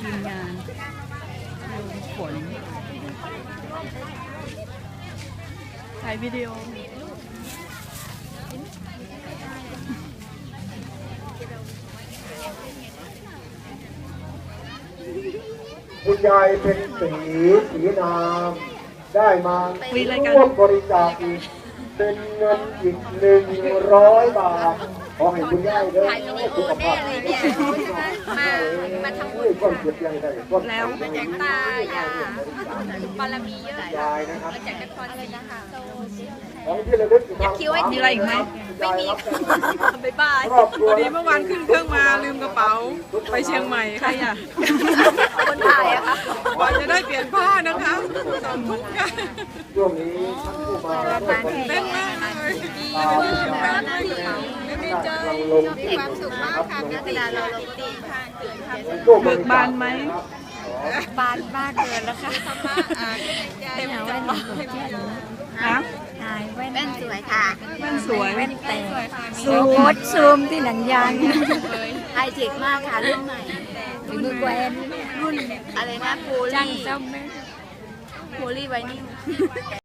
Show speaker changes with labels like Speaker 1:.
Speaker 1: ทีมงานฝนถ่ายวิดีโอ
Speaker 2: คุณยายเป็นสีนามได้มาร่วมบริจาคอีกเป็นเงินอีก100 บาทขอให้คุณยายเด้อสุขภาพดี
Speaker 3: มาทำบุญ
Speaker 2: ก้นเจ็บยังไงก้น
Speaker 1: แล้ว
Speaker 3: มาจากตายาบารมีเยอะ
Speaker 2: ยายนะครับ
Speaker 3: มาจากนครศรีค่ะ
Speaker 2: ของที่ระลึก
Speaker 3: อยากคิดว่า
Speaker 1: มีอะไรอีกไหม
Speaker 3: ไม่มีบ๊ายบาย
Speaker 2: ครอบครัว
Speaker 4: พอดีเมื่อวานขึ้นเครื่องมาลืมกระเป๋าไปเชียงใหม่
Speaker 1: ใครอ่ะ
Speaker 3: คนถ่ายอะค่ะ
Speaker 4: กว่าจะได้เปลี่ยนผ้านะคะ2 ทุ่มกัน
Speaker 2: ช่วงนี้ท่านผู้มาร่วมบริ
Speaker 4: เต้น
Speaker 2: จาค
Speaker 4: มากเลย
Speaker 3: ดีใจมีความสุขมากค่ะเวลาเราลงตีค่ะตื่นค่ะ
Speaker 1: เบิกบานไหม
Speaker 3: บานมากเกินแล้วค่ะเต็มใจ
Speaker 1: ฮะ
Speaker 3: แว่นสวยค่ะ
Speaker 1: แว่นสวย
Speaker 3: แว่นแต่
Speaker 5: ซูมที่หนังยาง
Speaker 3: ไฮเทคมากค่ะรุ่นใหม่
Speaker 5: ถึงมือแกวนรุ่น
Speaker 3: อะไรนะโพ
Speaker 5: จ้าง
Speaker 3: ลี
Speaker 5: ซ่อมไหม
Speaker 3: โพลีไวนิล